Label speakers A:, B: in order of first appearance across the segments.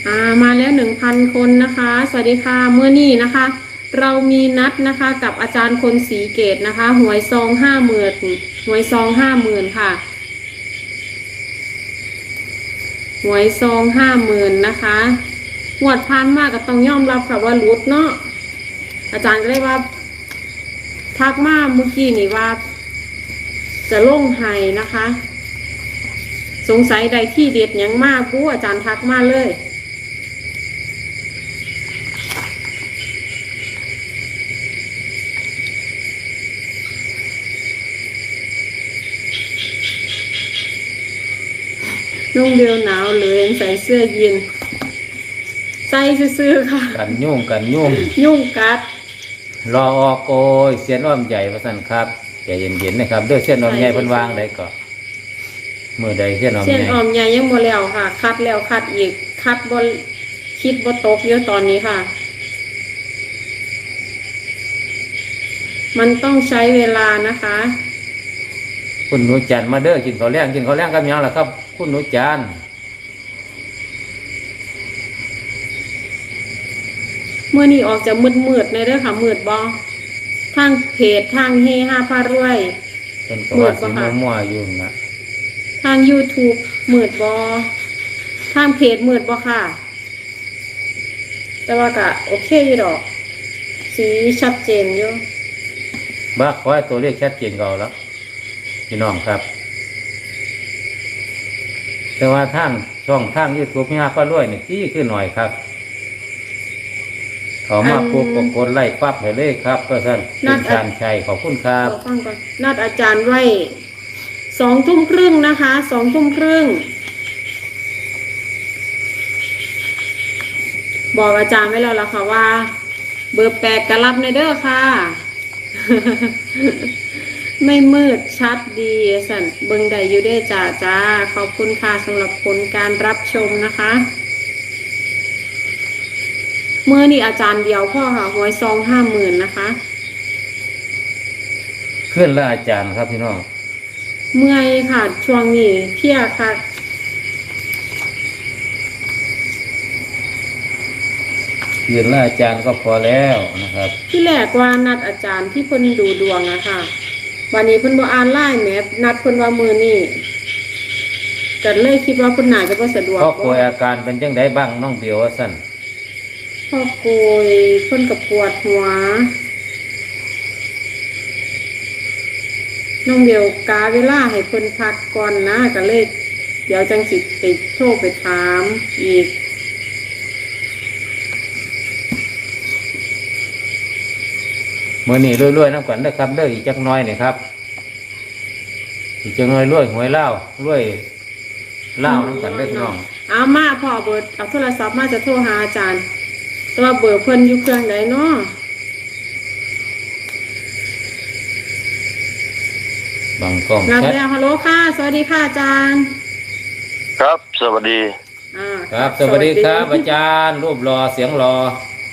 A: มาแล้ว1,000 คนนะคะสวัสดีค่ะเมื่อนี้นะคะ เรามีนัดนะคะกับอาจารย์คนศรีเกตนะคะหวยซอง50,000หวยซอง50,000ค่ะหวยซอง50,000นะคะงวดผ่านมากก็ต้องยอมรับค่ะว่ารุดเนาะอาจารย์ก็เลยว่าทักมาเมื่อกี้นี่ว่าจะลงไห้นะคะ สงสัยใดที่เด็ดยังมากผู้อาจารย์ทักมาเลยนุ่งเดียวหนาวเลยใส่เสื้อยีนใส่ซื้อค่ะ
B: กันยุ่ง
A: ยุ่งกัด
B: รอออกโกยเสียนอ้อมใหญ่ประสันครับใจเย็นๆนะครับด้วยเส้นอ้อมใหญ่เพิ่นวางได้ก็มือใดเส้นอ้อมใหญ่
A: เส้นอ้อมใหญ่ยังบ่แล้วค่ะคัดแล้วคัดอีกคัดบ่คิดบ่ตกเยอะตอนนี้ค่ะมันต้องใช้เวลานะคะ
B: คุณหนูจันมาเด้อกินข้าวแรงกับหยังล่ะครับคุณหนูจัน
A: เมื่อนี้ออกจะมืดในเด้อค่ะมืดบ่ทางเพจทางเฮฮาพารวย
B: เป็นก็ว่าสิมั่วๆอยู่นะ
A: ทาง YouTube มืดบ่ทางเพจมืดบ่ค่ะแต่ว่าก็โอเคอยู่ดอกสีชัดเจนอยู่
B: บ้าขอให้ตัวเลขชัดเจนก็เอาแล้วพี่น้องครับแต่ว่าทางช่องทางYouTubeมีหาป้ารวยนี่ที่คือหน่อยครับเขามาปุ๊บก็กดไล่ปั๊บให้เลยครับก็ท่านคุณชาญชัยขอบคุณครับ
A: นัดอาจารย์ไว้20:30นะคะ20:30บอกอาจารย์ไว้แล้วล่ะค่ะว่าเบอร์8ก็รับในเด้อค่ะ ไม่มืดชัดดีสั่นเบิ่งได้อยู่เด้อจ้าขอบคุณค่ะสำหรับผลการรับชมนะคะเมื่อนี่อาจารย์เดียวพ่อค่ะหวยซอง50,000นะคะ
B: ขึ้นแล้วอาจารย์ครับพี่น้อง
A: เมื่อยค่ะช่วงนี้เพี้ยค่ะ
B: ขึ้นแล้วอาจารย์ก็พอแล้วนะครับ
A: ที่แรกว่านัดอาจารย์ที่เพิ่นดูดวงอะค่ะวันนี้เพิ่นบ่อ่านไลน์แมพนัดเพิ่นว่ามื้อนี้ก็เลยคิดว่าเพิ่นน่าจะบ่สะดวก
B: พ่อป่วยอาการเป็นจังไดบ้างน้องเบียวว่าซั่น
A: พ่อป่วยเพิ่นก็ปวดหัวน้องเดียวกาเวลาให้เพิ่นพักก่อนนะก็เลยเดี๋ยวจังสิไปโทรไปถามอีก
B: มื้อนี้รวยๆน้ำกันเด้อครับเด้ออีกจักหน่อยนี่ครับอีกจักหน่อยรวยหวยเล่ารวยเล่าน้ำกันเด้อพี่น้อง
A: เอามาพ่อเบิดเอาโทรศัพท์มาจะโทรหาอาจารย์แต่ว่าเบอร์เพิ่นอยู่เครื่องใดเนาะ
B: บางกล้อง
A: รับแล้วฮัลโหลค่ะสวัสดีค่ะอาจารย์
C: ครับสวัสดี
B: ครับสวัสดีครับอาจารย์รูปรอเสียงรอ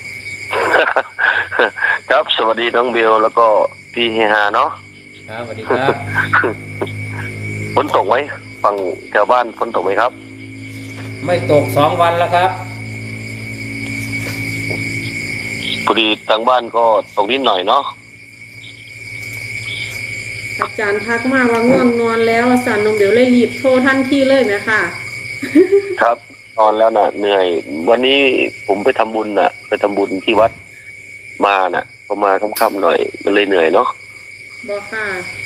C: ครับสวัสดีน้องเบลแล้วก็พี่เฮฮาเนาะ
B: ครับสวัสดีครับ
C: ฝนตกไหมฝั่งแถวบ้านฝนตกไหมครับ
B: ไม่ตก2 วันแล้วครับ
C: พอดีทางบ้านก็ตกนิดหน่อยเนาะ
A: อาจารย์ทักมาว่าง่วงนอนแล้วสั่นนมเดี๋ยวเลยรีบโทรทันทีเลยไหมค่ะ
C: ครับนอนแล้วน่ะเหนื่อยวันนี้ผมไปทำบุญน่ะไปทำบุญที่วัดมาน่ะพอมาค่ำๆหน่อยมันเลยเหนื่อยเนาะ
A: บอกค่ะ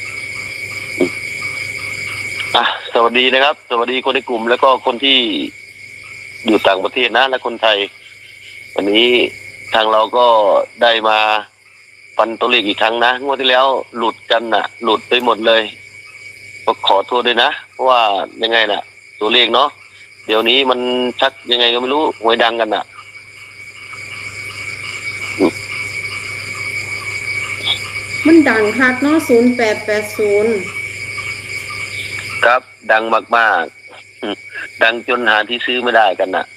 C: สวัสดีนะครับสวัสดีคนในกลุ่มแล้วก็คนที่อยู่ต่างประเทศนะและคนไทยวันนี้ทางเราก็ได้มาฟันตัวเลขอีกครั้งนะงวดที่แล้วหลุดกันน่ะหลุดไปหมดเลยก็ขอโทษด้วยนะเพราะว่ายังไงน่ะตัวเลขเนาะเดี๋ยวนี้มันชักยังไงก็ไม่รู้หวยดังกันน่ะ
A: มันดังคักเนาะ0880
C: ครับดังมากๆดังจนหาที่ซื้อไม่ได้กันน่ะ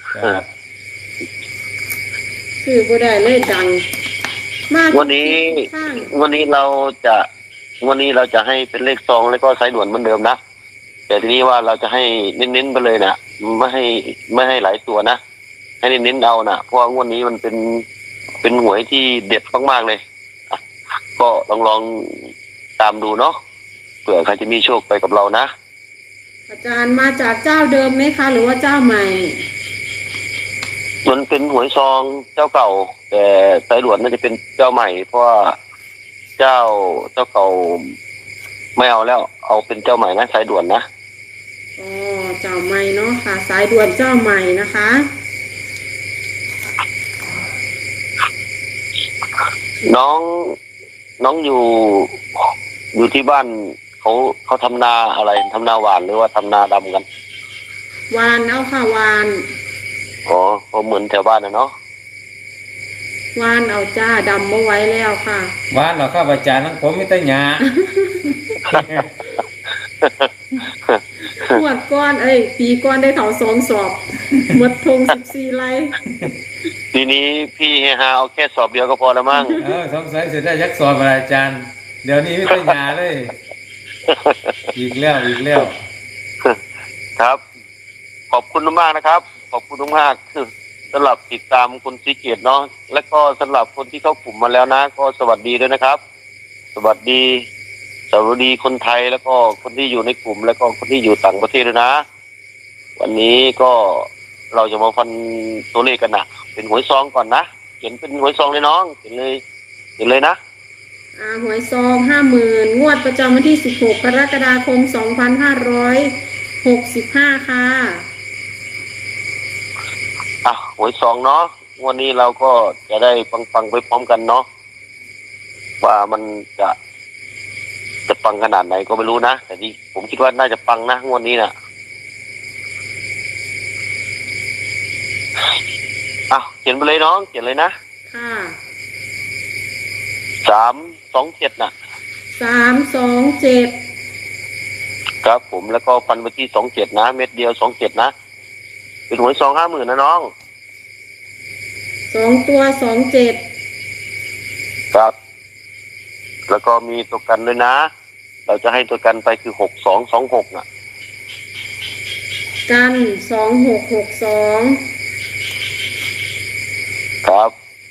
A: ซื้อบ่ได้เลยดังมาก
C: วันนี้เราจะให้เป็นเลขซองแล้วก็สายด่วนเหมือนเดิมนะแต่ทีนี้ว่าเราจะให้เน้นๆไปเลยนะไม่ให้หลายตัวนะให้ให้เน้นๆเอานะเพราะว่างวดนี้มันเป็นหวยที่เด็ดมากๆเลยอ่ะก็ลองตามดูเนาะเผื่อใครจะมีโชคไปกับเรานะ
A: อาจารย์มาจากเจ้าเดิมไหมคะ หรือว่าเจ้าใหม่
C: มันเป็นหวยซองเจ้าเก่า แต่สายด่วนน่าจะเป็นเจ้าใหม่ เพราะว่าเจ้าเก่าไม่เอาแล้ว เอาเป็นเจ้าใหม่นะสายด่วนนะ
A: อ๋อเจ้าใหม่เนาะค่ะ สายด่วนเจ้าใหม่นะคะ
C: น้องอยู่ที่บ้านเขาทำนาอะไรทำนาหวานหรือว่าทำนาดำกัน
A: วานเอาค่ะวาน
C: อ๋อก็เหมือนแถวบ้านนะเนาะ
A: วานเอาจ้าดำมาไว้แล้วค่ะ
B: บ้านเราครับอาจารย์ทั้งผมมีแต่หญ้า
A: ขวดก้อนปีก้อนได้เขา2 สอบ หมดทง14 ไร่
C: ทีนี้พี่เฮฮาเอาแค่สอบเดียวก็พอแล้วมั้ง
B: สงสัยจะได้ยักษ์สอบอะไรอาจารย์ เดี๋ยวนี้มีแต่หญ้าเลย อีกแล้ว
C: ครับ ขอบคุณมากนะครับ ขอบคุณมากสำหรับติดตามคุณสีเกียรติเนาะและก็สำหรับคนที่เข้ากลุ่มมาแล้วนะ ก็สวัสดีด้วยนะครับ สวัสดีคนไทยแล้วก็คนที่อยู่ในกลุ่ม แล้วก็คนที่อยู่ต่างประเทศด้วยนะ วันนี้ก็เราจะมาฟันตัวเลขกันนะเป็นหวยซองก่อนนะเขียนเป็นหวยซองเลยน้องเขียนเลยนะ
A: หวยซอง50,000งวดประจำวันที่16 กรกฎาคม 2565 ค่ะ
C: หวยซองเนาะวันนี้เราก็จะได้ฟังไปพร้อมกันเนาะว่ามันจะปังขนาดไหนก็ไม่รู้นะแต่ที่ผมคิดว่าน่าจะปังนะงวดนี้นะเขียนไปเลยน้องเขียนเลยนะ
A: ค่ะ
C: 327นะ
A: 327
C: ครับผมแล้วก็ฟันไปที่27นะเม็ดเดียว27นะเป็นหวยซอง50,000นะน้อง
A: 2 ตัว27
C: ครับแล้วก็มีตัวกันด้วยนะเราจะให้ตัวกันไปคือ6226นะ
A: กัน2662
C: ครับ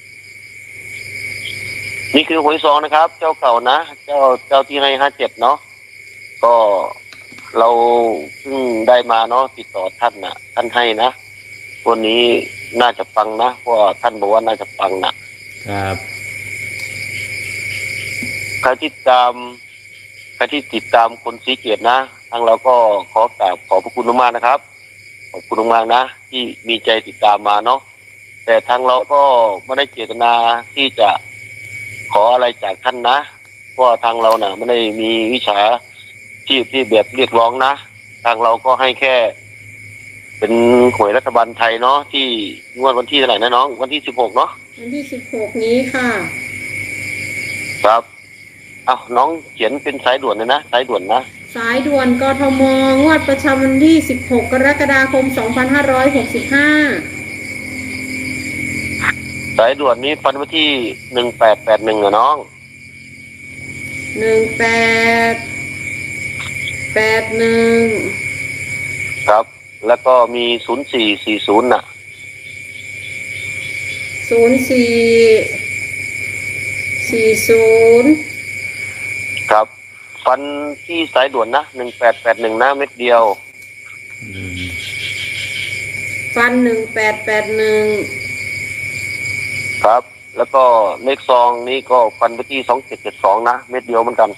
C: นี่คือหวยซองนะครับ เจ้าเก่านะเจ้าที่ให้57เนาะก็เราเพิ่งได้มาเนาะติดต่อท่านนะท่านให้นะวันนี้น่าจะปังนะเพราะท่านบอกว่าน่าจะปังนะครับ ใครที่ติดตามคนสีเกียรตินะทางเราก็ขอพระคุณมากๆนะครับขอบคุณมากๆนะที่มีใจติดตามมาเนาะแต่ทางเราก็ไม่ได้เจตนาที่จะขออะไรจากท่านนะเพราะทางเราน่ะไม่ได้มีวิชาชีพที่แบบเรียกร้องนะทางเราก็ให้แค่เป็นหวยรัฐบาลไทยเนาะที่งวดวันที่เท่าไหร่นะน้องวันที่16เนาะ
A: วันที่16นี้ค่ะ
C: ครับน้องเขียนเป็นสายด่วนเลยนะสายด่วนนะ
A: สายด่วนกทมงวดประจำวันที่16 กรกฎาคม 2565
C: สายด่วนนี้ฟันไว้ที่1881อะน้อง
A: 1881
C: ครับแล้วก็มี0440น่ะ
A: 0440
C: ครับฟันที่สายด่วนนะ1881นะเม็ดเดียว
A: ฟัน1881
C: ครับแล้วก็เลขซองนี้ก็ฟันไปที่2772นะเม็ดเดียวเหมือนกัน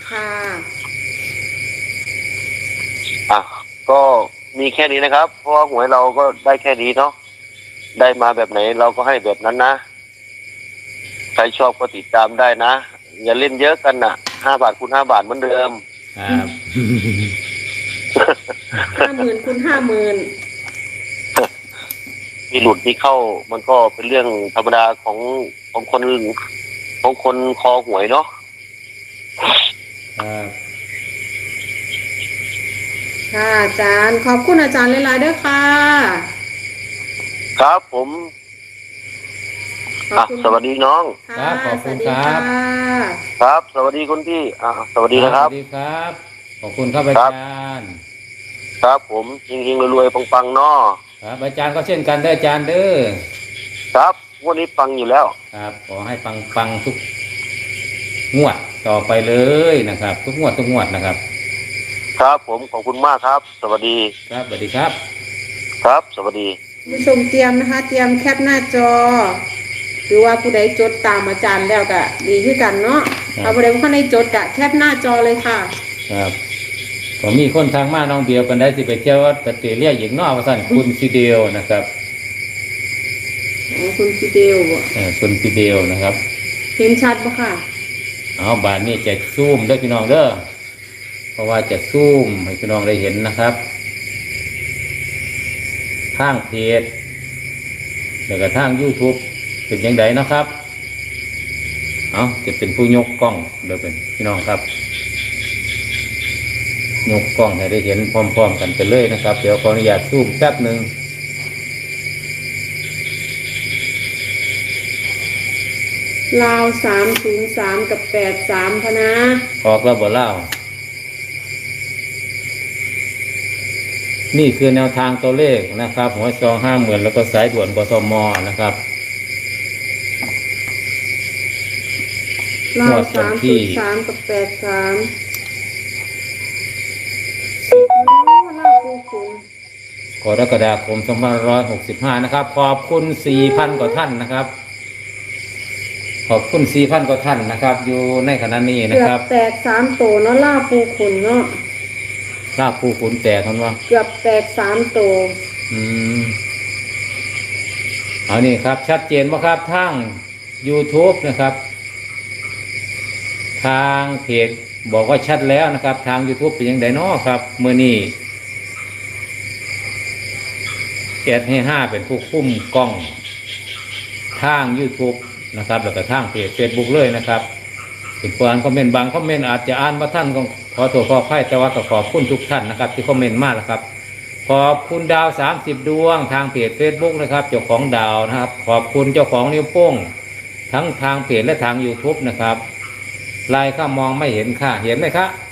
A: ค่ะ
C: ก็มีแค่นี้นะครับเพราะว่าหวยเราก็ได้แค่นี้เนาะได้มาแบบไหนเราก็ให้แบบนั้นนะใครชอบก็ติดตามได้นะอย่าเล่นเยอะกันนะ5 บาทคูณ5 บาทเหมือนเดิม
B: ครับ
A: 50,000คูณ50,000
C: มีหลุดมีเข้ามันก็เป็นเรื่องธรรมดาของคนคอหวยเนาะ
A: ค่ะอาจารย์ขอบคุณอาจารย์หลายๆด้วยค่ะ
C: ครับผมสวัสดีน้อง
B: ครับขอบคุณครับ
C: ครับสวัสดีคุณพี่สวัสดีนะครับ
B: สวัสดีครับขอบคุณครับอาจารย์
C: ครับผมจริงๆรวยๆปังๆเนาะ
B: ครับอาจารย์ก็เช่นกันเด้ออาจารย์เด้อ
C: ครับงวันนี้ปังอยู่แล้ว
B: ครับขอให้ปังทุกงวดต่อไปเลยนะครับ ทุกงวดนะครับ
C: ครับผมขอบคุณมากครับ สวัสดี
B: ครับสวัสดีครับ
C: ครับ สวัสดี
A: ผู้ชมเตรียมนะคะ เตรียมแคปหน้าจอ หรือว่าผู้ใดจดตามอาจารย์แล้วก็ดีขึ้นกันเนาะเอาผู้ใดผู้ใดจดกะแคปหน้าจอเลยค่ะ
B: ครับผมมีคนทางมาน้องเบียวกันได้สิไปเที่ยววัดตะเตียเรียกหญิงนอกว่าสั่นคุณฟิเดลนะครับ
A: คุณฟิเดลบ่
B: คุณฟิเดลนะครับ
A: เห็นชัดปะค่ะ
B: เอาบานนี้จะซูมเด้อพี่น้องเด้อเพราะว่าจะซูมให้พี่น้องได้เห็นนะครับทางเพจแล้วก็ทาง YouTube เป็นยังไงนะครับเอาจะเป็นผู้ยกกล้องเดี๋ยวเป็นพี่น้องครับยกกล้องให้ได้เห็นพร้อมๆกันไปเลยนะครับเดี๋ยวขออนุญาตซูมแป๊บหนึ่ง
A: ลาว303กับ83พะนะ
B: ออกแล้วบ่เล่านี่คือแนวทางตัวเลขนะครับ หัวซอง50,000แล้วก็สายด่วนกทมนะครับ
A: ลาว
B: งวดวันที่
A: 303กับ83โอ้ลาวปูคุณ
B: กรกฎาคม2565นะครับขอบคุณ 4,000 กว่าท่านนะครับ ขอบคุณ 4,000 กว่าท่านนะครับ อยู่ในขณะนี้นะ
A: เกือ
B: ครับ
A: บแตก3โตเนาะลาวปูคุณเนาะ
B: ลาบผู้ขุนแตกกันว่า
A: เกือบแตก3โต
B: เอานี่ครับ ชัดเจนว่าครับทาง YouTube นะครับ ทางเพจบอกว่าชัดแล้วนะครับ ทาง YouTube เป็นยังไงเนาะครับเมื่อนี้แอดให้5เป็นผู้คุ้มกล้องทาง YouTube นะครับ แล้วก็ทางเพจ Facebook เลยนะครับเป็นผู้อ่านคอมเมนต์บางคอมเมนต์อาจจะอ่านมาท่านก็ขอตัวขออภัยแต่ว่าก็ขอบคุณทุกท่านนะครับ ที่คอมเมนต์มาแล้วครับ ขอบคุณดาว30ดวงทางเพจ Facebook นะครับเจ้าของดาวนะครับขอบคุณเจ้าของนิ้วโป้งทั้งทางเพจและทาง YouTube นะครับลายข้ามองไม่เห็นค่ะเห็นไหมครับ